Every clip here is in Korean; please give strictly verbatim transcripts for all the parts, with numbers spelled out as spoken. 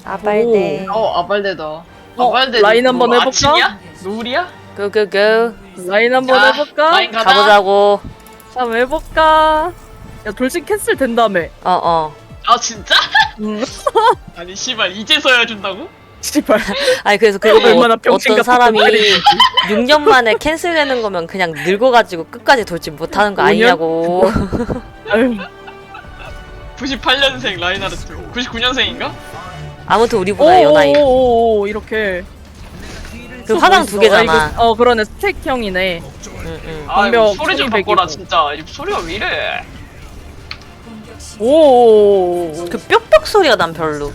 아발데. 어 아발데다. 어, 아발데 라인 한번 해볼까? 아침이야? 노을이야? 고고고. 라인 한번 자, 해볼까? 라인 가자. 가보자고. 한번 해볼까? 야 돌진 캔슬 된다며. 어 어. 아 진짜? 응. 아니 씨발 이제서야 준다고? 씨발. 아니 그래서 그거 뭐 얼마나 병신 어떤 같은 사람이 말이지. 육 년 만에 캔슬되는 거면 그냥 늙어가지고 끝까지 돌진 못하는 거 오 년? 아니냐고. 아유. 구십팔 년생 라인하르트. 구십구 년생인가? 아무튼 우리보다 연하이. 오오오오 이렇게. 그 화장 두 개잖아. 아, 이거, 어 그러네 스택형이네. 응, 응. 아 이거 방벽 소리 좀 천이백이고. 바꿔라 진짜. 이 소리가 왜 이래? 오오오오. 그 뾱뾱 소리가 난 별로.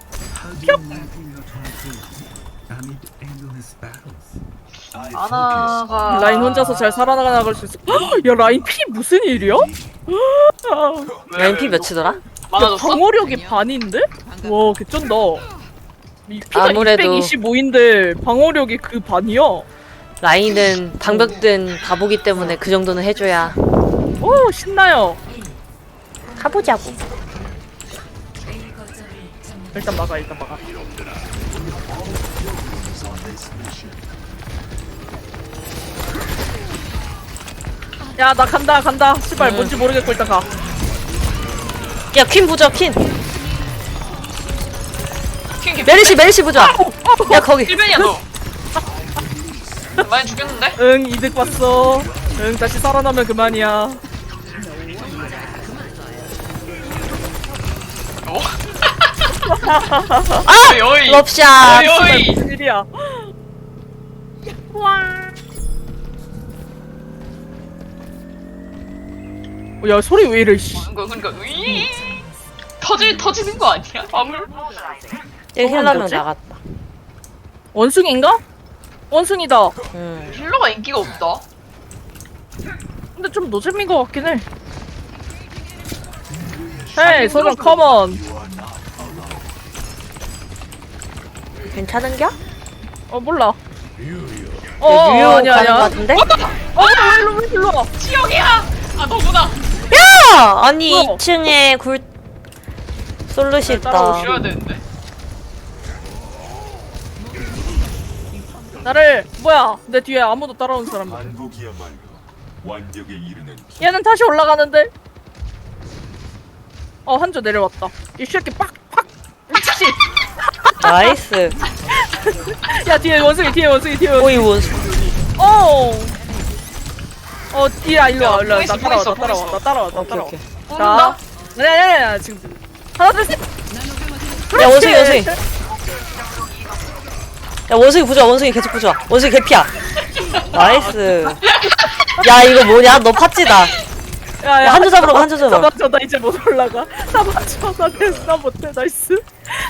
아나가 라인 혼자서 잘 살아나갈 수 있어. 헉, 야 라인 피 무슨 일이야? 왜, 라인 왜, 피 몇이더라? 야, 많아졌어? 방어력이 반인데? 와 개쩐다. 이 피가 아무래도- 이백이십오인데 방어력이 그 반이야. 라인은 방벽든 바보기 때문에 그 정도는 해줘야. 오 신나요. 가보자고. 일단 막아 일단 막아. 야 나 간다 간다. 씨발 응. 뭔지 모르겠고 일단 가. 야 퀸 부자 퀸. 킹 개피. 메리시 메리시 부자. 야 거기. 일변이야 너. 많이 죽였는데? 응 이득 봤어. 응 다시 살아나면 그만이야. 어? 아! 어이 어이. 럽샷. 어이 어이. 무슨 일이야? 어, 야 소리 왜 이래? 씨. 그러니까 그러니까 으이. 터질 터지는 거 아니야? 화물? 여기 힐러명 뭐지? 나갔다. 원숭인가? 원숭이다. 음. 힐러가 인기가 없다. 근데 좀 노잼인 것 같긴 해. 헤이 소정 컴온. 괜찮은겨? 어 몰라. 어 어, 뉴욕 아니야 가는 거 아니야. 같은데? 어 왜 일로 왜 일로 와? 지역이야. 아 너구나. 야! 아니 뭐야? 이 층에 굴 솔루시 따라오시오. 있다. 쉬어야 되는데. 나를 뭐야? 내 뒤에 아무도 따라오는 사람. 반복이야말로 완벽에 이르는 길. 얘는 다시 올라가는데. 어 한조 내려왔다. 이 새끼 빡빡. 미치. 나이스. 야 뒤에 원숭이 뒤에 원숭이 뒤에 원숭이. 오이 원수. 어. 어 뒤야 일로 와 야, 일로 와. 보고 있어, 나 따라와 보고 나 따라와 있어. 나 따라와 나 오케이 따라와. 오케이. 뽑는다. 자. 야야야 지금 하나 둘 셋. 야 원숭이 원숭이. 야 원숭이 부자 원숭이 계속 부자. 원숭이 개피야. 나이스. 야 이거 뭐냐? 너 팥찌다. 야야 야, 한조 잡으러 가, 한조 잡아. 잡아줘 나 이제 못 올라가. 잡아줘 나 됐어 나 못해 나이스.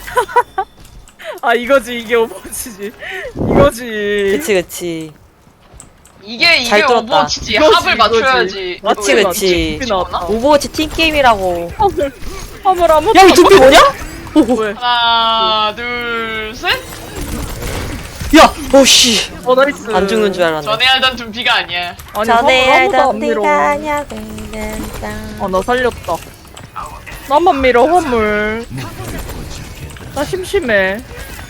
아 이거지 이게 오버워치지. 이거지. 그치 그치. 이게 이게 잘 뚫었다. 오버워치지. 이거지, 합을 맞춰야지. 맞지, 그치 너 그치. 맞지. 나왔다. 오버워치 팀 게임이라고. 화물 화물 아무도. 야이 둠피 뭐냐? 왜? 하나 둘 셋. 야 오씨. 어 나이스. 안 죽는 줄 알았네. 전에 알던 둠피가 아니야. 아니 전에 화물 아무도 안 알던 밀어. 비가 아냐고. 아나 살렸다. 나만 밀어 화물. 나 심심해.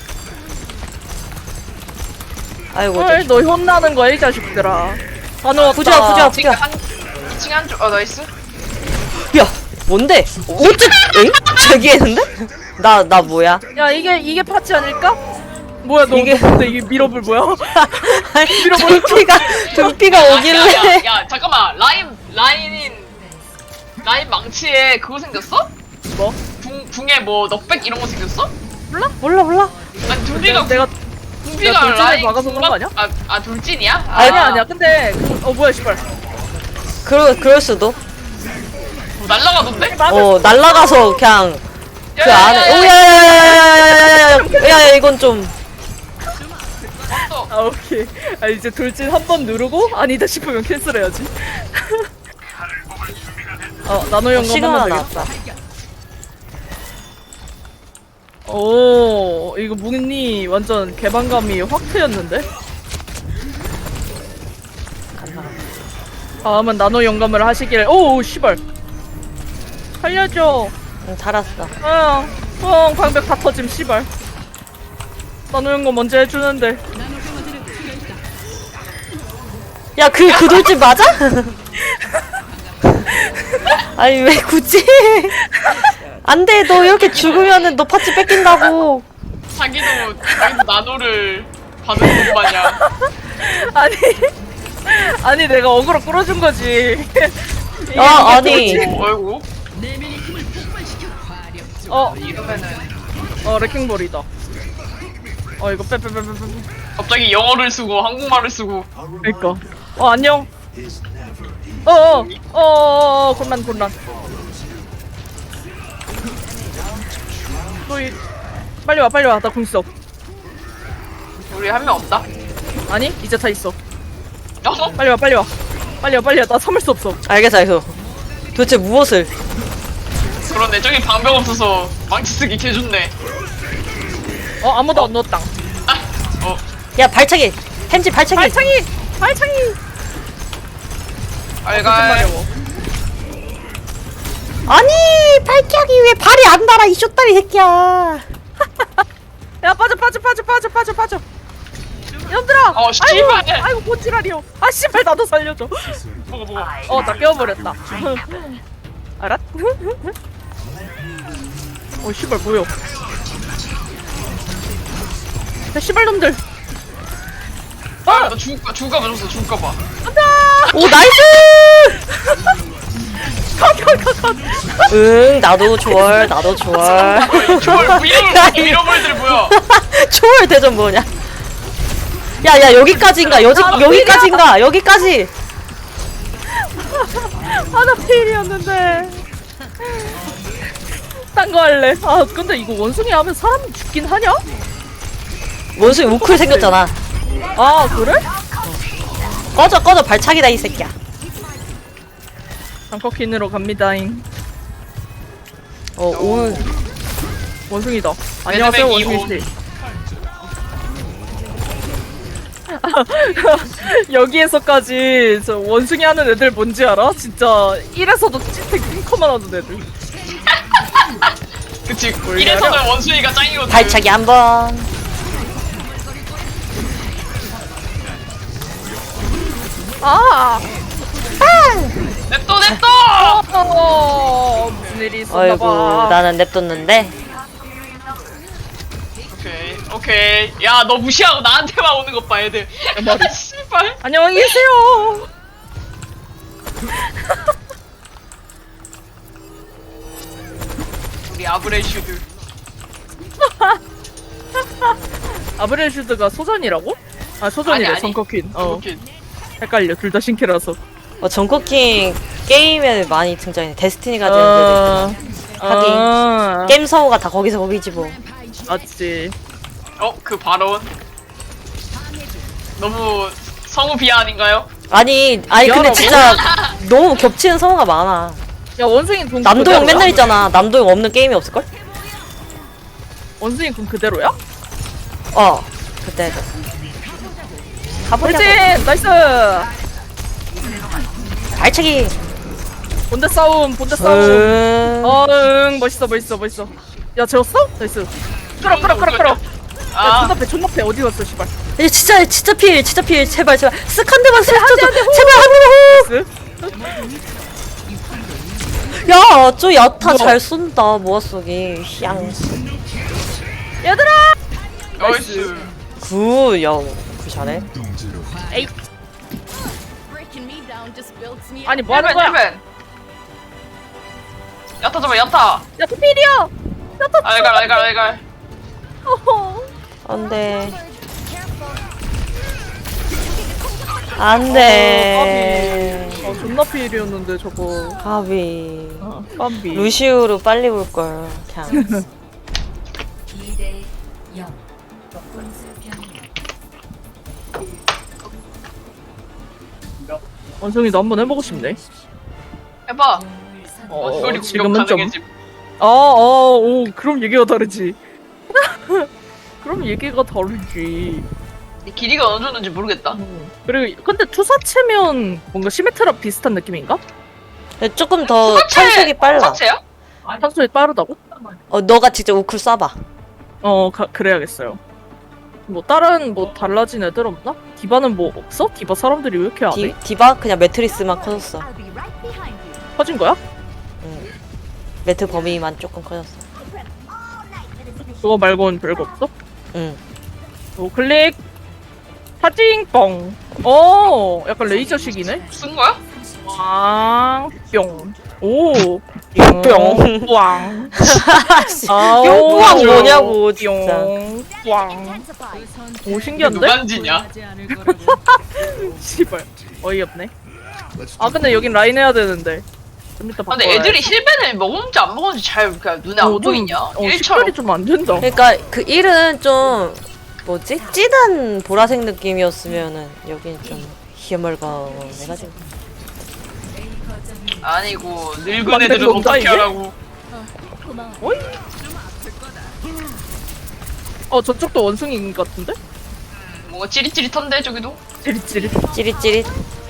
아이고 헐, 너 혼나는 거야 이 자식들아. 다 넣었다. 부자 부자 지금 부자. 한 이 층 한쪽. 어 나이스. 야 뭔데? 어째? 엥? 저기 했는데? 나 나 뭐야? 야 이게 이게 파츠 아닐까? 뭐야 너 이게- 이게 근데 이게 밀어볼 뭐야? 등피가 등피가 야, 오길래. 야, 야, 잠깐만. 라인 라인인 라인 망치에 그거 생겼어? 뭐? 궁 궁에 뭐 넉백 이런 거 생겼어? 몰라 몰라. 아니 둠피가 내가 둠피가 내가 돌진을 라인 막아서 그런 거 아니야? 아, 아 돌진이야? 아, 아니야 아니야. 근데 그- 어 뭐야 씨발. 그러 그럴 수도. 뭐 날라가던데? 어 날라가서 그냥 그 야, 야, 안에. 야, 야, 오야야야야야야야야야야. 야 이건 좀. 어, 아 오케이. 아 이제 돌진 한 번 누르고 아니다 싶으면 캔슬해야지. 어 나노 연금 시그마 한번 되겠다. 나왔다. 오 이거 문이 완전 개방감이 확 트였는데? 다음은 나노 영감을 하시길. 오 씨발 살려줘. 응 달았어. 어 어 방벽 다 터짐 씨발. 나누는 거 먼저 해주는데. 야, 그, 그 돌집 맞아? 아니, 왜 굳이? 안 돼, 너 이렇게 죽으면은 너 파츠 뺏긴다고. 자기도 자기도 나노를 받은 것 마냥. 아니 아니 내가 어그로 끌어준 거지. 이게 아, 이게 아니. 돌진. 어이구. 어, 이러면은 어 레킹볼이다. 어 이거 빼빼빼빼빼. 갑자기 영어를 쓰고 한국말을 쓰고. 그니까. 어 안녕. 어어 어어 곤란 곤란. 너희 빨리 와 빨리 와 나 공 있어. 우리 한 명 없다. 아니 이제 다 있어. 어? 빨리 와 빨리 와 빨리 와 빨리 와나 참을 수 없어. 알겠어, 알겠어. 도대체 무엇을? 그런데 저기 방벽 없어서 망치 쓰기 개좋네. 어 아무도 안 넣었다. 아, 어. 야, 발차기! 햄지 발차기! 발창이 발창이. 알갈. 마려워. 아니, 발차기 왜 발이 안 달아, 이 쇼다리 새끼야. 야 빠져 빠져 빠져 빠져 빠져 빠져. 얘들아. 어, 씨발. 아이고, 아이고 뭔 지랄이요. 아 씨발 나도 살려줘. 보고 보고. 어 나 깨워버렸다. 알았? 어 씨발 뭐야? 야 씨발 놈들. 아, 나 죽을까 죽을까 봐 줬어. 죽을까 봐. 오, 나이스! 컷컷컷컷. 응, 나도 좋아할, 나도 좋아할. 저걸 위로 밀어버리들 뭐야? 초월 대전 뭐냐? 야, 야, 여기까지인가? 여기, 여기까지인가? 여기까지! 하나 필이었는데. 딴 거 할래. 아 근데 이거 원숭이 하면 사람이 죽긴 하냐? 원숭이 우클 생겼잖아. 아 그래? 꺼져, 꺼져, 발차기다, 이 새끼야. 장커킨으로 갑니다잉. 어, 오늘. 원숭이다. 안녕하세요 매드맥 원숭이 씨. 여기에서까지 저 원숭이 하는 애들 뭔지 알아? 진짜 일에서도 찐택 핑커만 하는 애들. 그치. 이래서는 원숭이가 짱이거든. 발차기 한 번. 아! 냅둬 냅둬. 어, 무슨 일이 있었나 어이구, 봐. 나는 냅뒀는데. 오케이 오케이. 야 너 무시하고 나한테만 오는 것 봐 애들. 머리. 씨발. 안녕히 계세요. 우리 아브레슈드. 아브렐슈드가 소전이라고? 아 소전이래 아니, 아니. 성커퀸. 어 이렇게. 헷갈려 둘 다 신캐라서. 어, 정코킹 게임에 많이 등장해. 데스티니가 되는 어... 하긴. 어... 게임 성우가 다 거기서 거기지 뭐. 맞지. 어 그 발언. 너무 성우 비하 아닌가요? 아니, 아니 근데 미안하고. 진짜 너무 겹치는 성우가 많아. 야 원숭이 군 남도형 그대로야? 맨날 있잖아. 남도형 없는 게임이 없을걸? 원숭이 군 그대로야? 어, 그때. 가보자. 돌진 나이스. 발차기. 본대 싸움 본대 싸움. 음... 어응 멋있어 멋있어 멋있어. 야 재웠어? 나이스. 끌어 끌어 끌어 끌어. 야 아 존나 패 존나 패 어디 갔어 씨발. 야, 진짜 진짜 필 진짜 필 제발 제발 쓱 한 대만 쓱 한 대, 줘줘 한 대, 호! 제발 한 나이스. 대만 야저 야타 뭐야? 잘 쏜다 모아 쏘기 향 얘들아. 나이스. 굿야그 잘해 동지로 에이 Breaking me down just builds me 아니 up. 뭐 하는 힐벤 거야? 힐벤. 야타 잡아 야타. 야 투필이야. 야타. 알갈 알갈 알갈. 어허. 안돼 어, 안돼 어 존나 필이었는데 저거. 가비 어, 깜비. 루시우로 빨리 볼걸 그냥 원숭이도 한번 해보고 싶네. 해봐. 어, 어, 소리 지금은 공격 좀. 가능해지. 어, 어, 오, 그럼 얘기가 다르지. 그럼 얘기가 다르지. 이 길이가 어느 정도인지 모르겠다. 음. 그리고 근데 투사체면 뭔가 시메트라 비슷한 느낌인가? 근데 조금 더 투사체! 탄속이 빨라 투사체야? 탄소이 빠르다고? 어 너가 직접 우쿨 쏴봐. 어 가, 그래야겠어요. 뭐 다른 뭐 달라진 애들 없나? 디바는 뭐 없어? 디바 사람들이 왜 이렇게 안 디, 해? 디바 그냥 매트리스만 커졌어. I'll be right behind you. 커진 거야? 응. 매트 범위만 조금 커졌어. 그거 말고는 별거 없어? 응. 오 클릭 파징뽕. 오 약간 레이저식이네. 쓴 거야? 왕뿅. 오 뿅. 왕. 뿅 뭐냐고 진짜. 왕. 오 이게 신기한데? 누간지냐? 씨발 어이없네. 아 근데 여긴 라인 해야 되는데. 좀 이따 아, 근데 바꿔야 애들이 힐벤을 먹었는지 안 먹었는지 잘 그냥 눈에 안 보이냐? 어, 일처럼. 식별이 좀 안 된다. 그러니까 그 일은 좀 뭐지? 찌든 보라색 느낌이었으면은 여긴 좀 희열멀건해가지고. 아니고 늙은 만든 애들은 건가, 어떻게 이게? 하라고. 어이? 어 저쪽도 원숭이인 것 같은데? 뭔가 찌릿찌릿한데 저기도? 찌릿찌릿. 찌릿찌릿.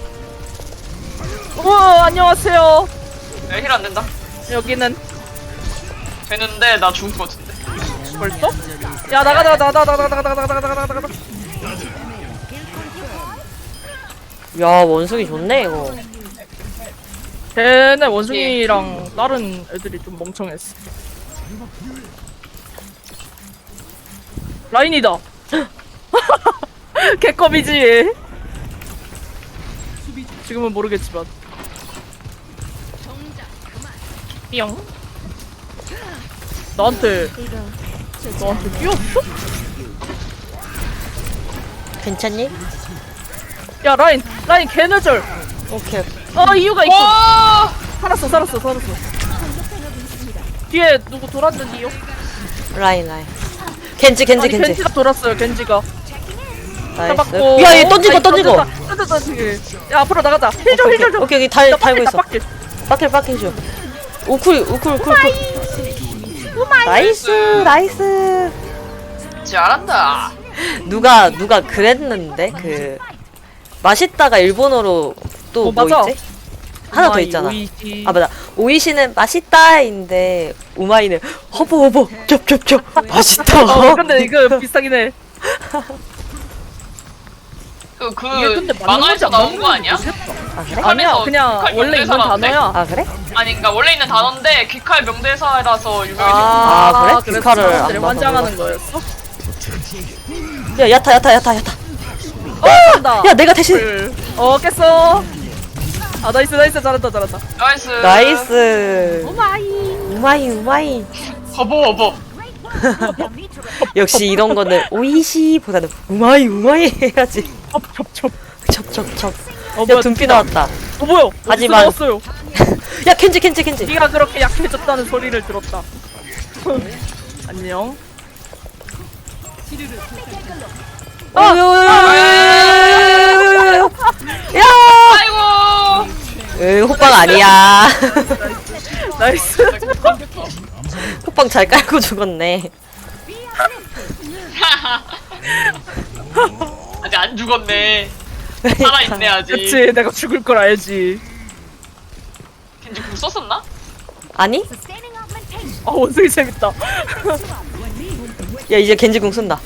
우와 안녕하세요. 야, 힐 안 된다. 여기는 되는데 나 죽을 것 같은데. 벌써? 야 나가 나가 나가 나가 나가 나가 나가 나가 나가 나가. 야 원숭이 좋네 이거. 걔네 원숭이랑 다른 애들이 좀 멍청했어. 라인이다. 개껌이지. 지금은 모르겠지만. 삐용. 나한테 너한테 뛰었어? 괜찮니? 야 라인 라인 개뇌절. 오케이. 어 이유가 있고. 와! 살았어 살았어 살았어. 뒤에 누구 돌았는데요? 라인 라인. 겐지 겐지 아니, 겐지. 겐지가 돌았어요 겐지가. 나이스. 잡았고. 야얘 던지고 아니, 던지고. 던졌다, 던졌다, 던지기. 야 앞으로 나가자. 힐좀 오케이 힐좀 좀. 오케이 오케이 달 달고 있어. 빡길, 빡킬 빡킬 줘. 우쿨 우쿨 우쿨 우쿨. 나이스 나이스. 잘한다. 누가 누가 그랬는데 그 맛있다가 일본어로 또 어, 뭐 맞아. 있지? 하나 더 우마이, 있잖아. 오이시. 아 맞아. 오이시는 맛있다인데 우마이는 허버 허버 겹겹겹 맛있다. 어 근데 이거 비슷하긴 해. 그, 그, 이게 근데 맞는 만화에서 건지 안 나온 맞는 거 아니야? 건지 모르겠다. 아 그래? 아니야 북한에서 그냥 북한 원래 있는 명대사라는데? 단어야. 아 그래? 아니, 그니까 원래 있는 단어인데, 귀칼 명대사라서 유명해진 거. 아, 그래? 그래서 귀칼을 안 사람들이 봐서 환장하는 거였어? 야 야타 야타 야타 야타. 어 간다. 야 내가 대신. 어 깼어. 아 나이스 나이스 잘한다 잘한다. 나이스. 나이스. 오마이. 우마이 우마이. 허버, 허버. 역시 이런 거는 오이시보다는 우마이 우마이 해야지. 첩첩첩. 첩첩첩. 어 야 뭐야 둠피 나왔다. 어 뭐야? 하지만- 어디서 나왔어요. 야 켄지 켄지 켄지. 네가 그렇게 약해졌다는 소리를 들었다. 안녕. 어, 요, 요, 요, 요, 요, 요, 요, 요. 야! 아이고! 으, 호빵 아니야. 나이스. 호빵 잘 깔고 죽었네. 아직 안 죽었네. 살아있네, 아직. 그치 내가 죽을 걸 알지. 겐지 궁 썼었나? 아니? 아 원숭이 재밌다. 야 이제 겐지궁 쓴다.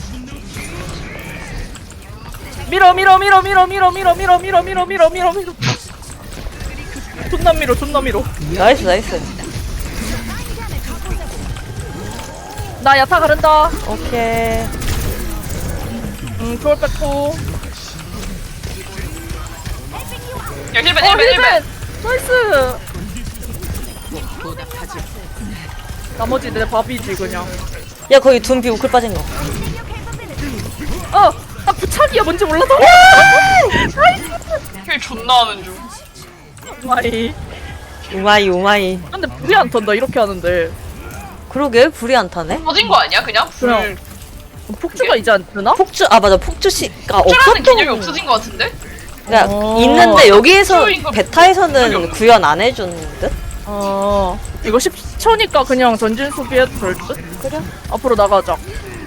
밀어 밀어 밀어 밀어 밀어 밀어 밀어 밀어 밀어 밀어 밀어 밀어. 존나 밀어 존나 밀어. 나이스 나이스. 나 야타 가른다. 오케이. 음 초월 뺐고. 야, 힐벤, 어 힐벤, 힐벤. 힐벤. 나이스. 나머지 내 밥이지 그냥. 야 거기 둠비 우클 빠진 거. 어! 아 부착이야 뭔지 몰라서. 힐 존나 하는 중. 마이. 우마이 우마이. 근데 불이 안 턴다 이렇게 하는데. 그러게 불이 안 타네. 터진 거 아니야, 그냥? 그냥. 폭주가 이제 안 뜨나? 폭주 아 맞아 폭주씨가 폭주라는 없었던 개념이 거. 없어진 거 같은데? 그러니까 어. 있는데 여기에서 폭주인 거 베타에서는 적이 구현 안 해준 듯? 어 이거 십 초니까 그냥 전진 수비해도 될 듯? 그래? 앞으로 나가자.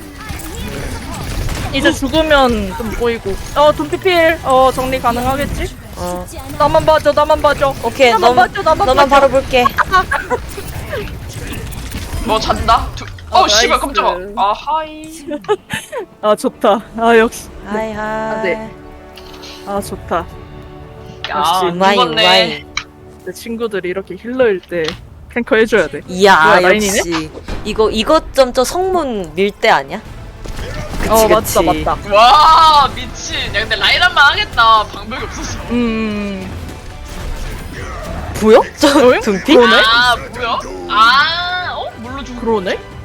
이제 죽으면 좀 보이고. 어 둠피필 어 정리 가능하겠지? 어. 나만 봐줘 나만 봐줘. 오케이 나만 너만 봐줘 나만 너만 봐줘. 바로 볼게. 뭐 잔다? 두... 아, 어 씨발 나이스. 깜짝아. 아 하이. 아 좋다. 아 역시. 하이 하이. 네. 아 좋다. 야 역시 우마이 죽었네. 우마이. 내 친구들이 이렇게 힐러일 때 탱커 해줘야 돼. 이야 뭐야, 라인이네? 역시 이거 이것 점저 성문 밀 때 아니야? 그치 어 그치. 맞다 맞다. 와 미친. 야 근데 라인 한 번 하겠다. 방법이 없었어. 음. 보여? 저 어잉? 둠피? 그러네? 아 뭐야? 아 어? 뭘로 죽은 그러네?